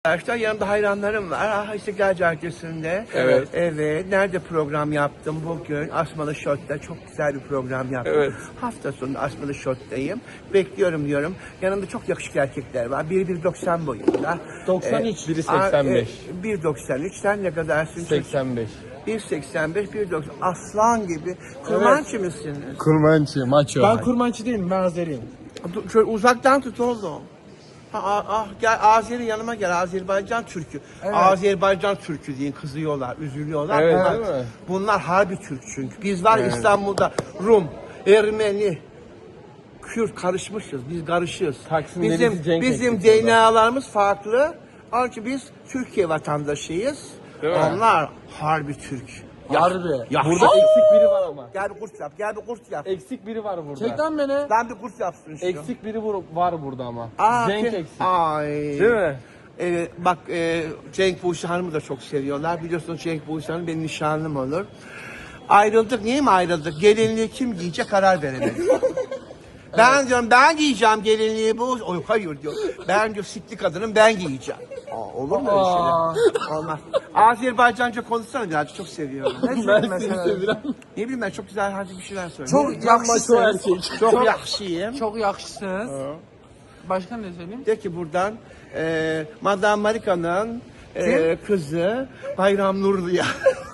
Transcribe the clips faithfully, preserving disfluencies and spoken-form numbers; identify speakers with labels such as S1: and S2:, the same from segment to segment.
S1: Arkadaşlar yanımda hayranlarım var. Ah, İstiklal Caddesi'nde.
S2: Evet.
S1: Evet. Nerede program yaptım bugün? Asmalı Shot'ta çok güzel bir program yaptım.
S2: Evet.
S1: Hafta sonu Asmalı Shot'tayım. Bekliyorum diyorum. Yanımda çok yakışıklı erkekler var. Biri bir doksan boyunda.
S2: doksan üç, biri
S1: aa,
S2: seksen beş.
S1: e, bir doksan üç. Sen ne kadarsın?
S2: seksen beş.
S1: bir seksen beş, bir doksan. Aslan gibi. Kurmançı mısınız?
S2: Kurmançı, maço.
S3: Ben kurmançı değilim, ben Azeriyim.
S1: Dur, şöyle uzaktan tut oğlum. Ha, ah, ah, gel Azeri yanıma gel. Azerbaycan Türkü.
S3: Evet.
S1: Azerbaycan Türkü deyin, kızıyorlar, üzülüyorlar.
S2: Evet,
S1: bunlar,
S2: değil mi?
S1: bunlar harbi Türk çünkü. Biz var
S2: Evet.
S1: İstanbul'da Rum, Ermeni, Kürt karışmışız. Biz karışığız.
S2: Taksim
S1: Bizim
S2: Denizi Cenk
S1: bizim
S2: eksikliği
S1: D N A'larımız farklı. Onun için biz Türkiye vatandaşıyız.
S2: Değil mi?
S1: Onlar harbi Türk.
S3: Harbi.
S1: Ya,
S2: Burada eksik biri var ama.
S1: Gel bir kurs yap, gel bir kurs yap.
S2: Eksik biri var burada.
S3: Çek lan beni.
S1: Ben bir kurs yapsın şu.
S2: Eksik biri vur- var burada ama.
S1: Aa,
S2: Cenk
S1: ki-
S2: eksik.
S1: Ay.
S2: Değil mi?
S1: Ee, bak e, Cenk Buse Hanım'ı da çok seviyorlar. Biliyorsunuz Cenk Buse Hanım benim nişanlım olur. Ayrıldık. Niye mi ayrıldık? Gelinliği kim giyecek karar veremedik. Ben diyorum ben giyeceğim gelinliği bu. Oy, hayır diyor. Ben diyor sikli kadınım ben giyeceğim. Aa, olur mu öyle şeyler? Olmaz. Azerbaycanca konuşsana birazcık çok seviyorum. Ne
S2: Ben
S1: söyleyeyim
S2: seni
S1: mesela?
S2: seviyorum.
S1: Ne bileyim ben çok güzel hadi bir şeyler söyle.
S3: Çok
S2: Maço
S3: yakışsınız.
S2: erkek.
S1: çok yakışıyım.
S3: Çok yakışsınız. Başka ne söyleyeyim?
S1: De ki buradan e, Madame Marika'nın e, kızı Bayram Nurlu'ya.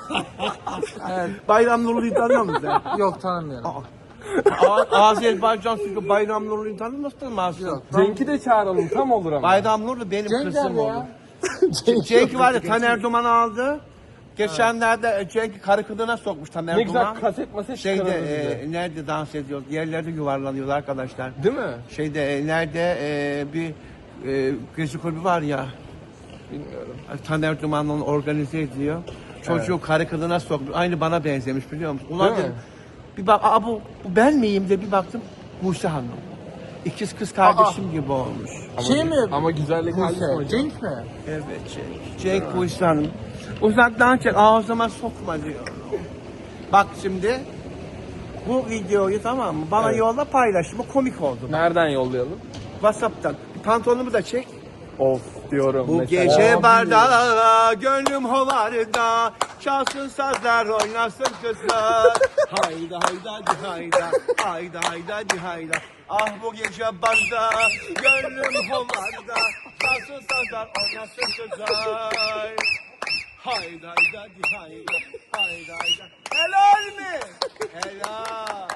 S3: Evet.
S1: Bayram Nurlu'yu tanıyor musun sen?
S3: Yok tanımıyorum.
S1: A- Azerbaycan çünkü Bayram Nurlu'yu tanımazsın mı?
S3: Yok.
S2: Cenk'i de çağıralım tam olur ama.
S1: Bayram Nurlu benim
S3: Cenk
S1: kızım
S3: nerede
S1: oldu.
S3: ya?
S1: Cenk var ya Taner Duman aldı. Geçenlerde Cenk'i karı kılığına sokmuş Taner
S2: Ne
S1: Duman.
S2: güzel kaset maset
S1: Şeyde
S2: çıkarırdı
S1: e,
S2: bize.
S1: nerede dans ediyor? Yerlerde yuvarlanıyorlar arkadaşlar.
S2: Değil mi?
S1: Şeyde e, nerede e, bir e, gezi kulübü var ya.
S2: Bilmiyorum.
S1: Taner Duman onu organize ediyor. Çocuğu
S2: Evet.
S1: karı kılığına sokmuş. Aynı bana benzemiş biliyor musun? Ulan
S2: Değil mi?
S1: dedim, bir bak, aa, bu, bu ben miyim de bir baktım. Buse Hanım. İkiz kız kardeşim gibi olmuş.
S2: Ama,
S3: Şey mi?
S2: Ama güzellik halisi
S3: Buse.
S2: hocam.
S3: Cenk mi?
S1: Evet Cenk. Cenk Buse Hanım. Uzaktan çek ağzıma sokma diyor. Bak şimdi. Bu videoyu tamam mı? Bana
S2: Evet.
S1: yolla paylaş. Bu komik oldu.
S2: Nereden yollayalım?
S1: WhatsApp'tan. Pantolonumu da çek.
S2: Of diyorum
S1: Bu
S2: mesela.
S1: gece
S3: Abi.
S1: barda, gönlüm hovarda, çalsın sazlar, oynasın kızlar. Hayda hayda di hayda, hayda hayda di hayda. Ah bu gece barda, gönlüm hovarda, çalsın sazlar, oynasın kızlar. Hayda hayda di hayda, hayda hayda. Helal mi? Helal.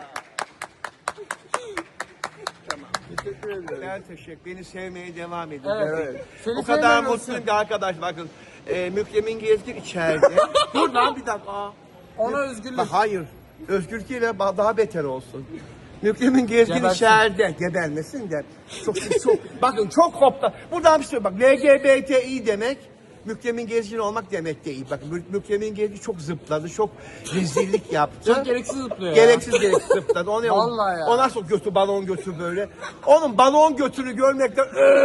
S1: Tamam.
S2: Teşekkür ederim.
S1: Ben teşekkür. Beni sevmeye devam edin.
S3: Evet.
S1: Evet.
S3: Seni
S1: O kadar
S3: sevmeyen
S1: mutluyum ki arkadaş bakın. E, Mükremin Gezgin içeride. Dur lan bir dakika. Aa.
S3: Ona özgürlük.
S1: Bak, hayır. Özgür değil ba- daha beter olsun. Mükremin Gezgin
S3: Gebersin.
S1: içeride. Gebermesin de. Çok, çok, bakın çok kopta. Buradan bir şey bak. L G B T İ demek. Mükremin Gezgin olmak demek değil. Bakın Mü- Mükremin Gezgin çok zıpladı. Çok rezillik yaptı.
S3: Çok gereksiz zıplıyor ya.
S1: Gereksiz gereksiz zıpladı. O ne o?
S3: Vallahi ya.
S1: O nasıl götü balon götü böyle. Onun balon götünü görmekten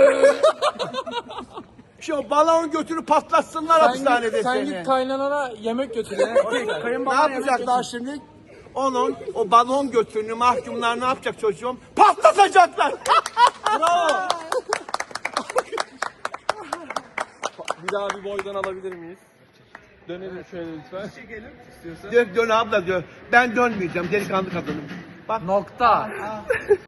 S1: şu balon götünü patlatsınlar
S3: Sen
S1: hapishanede
S3: git, sen
S1: seni.
S3: git kaynanana yemek götür ya.
S1: Ne yapacaklar şimdi? Onun o balon götünü mahkumlar ne yapacak çocuğum? Patlatacaklar.
S3: Bravo.
S2: Bir daha bir boydan alabilir miyiz? Dönelim şöyle lütfen.
S1: Dön, dön abla diyor. Ben dönmeyeceğim delikanlı kadınım. Bak
S3: Nokta.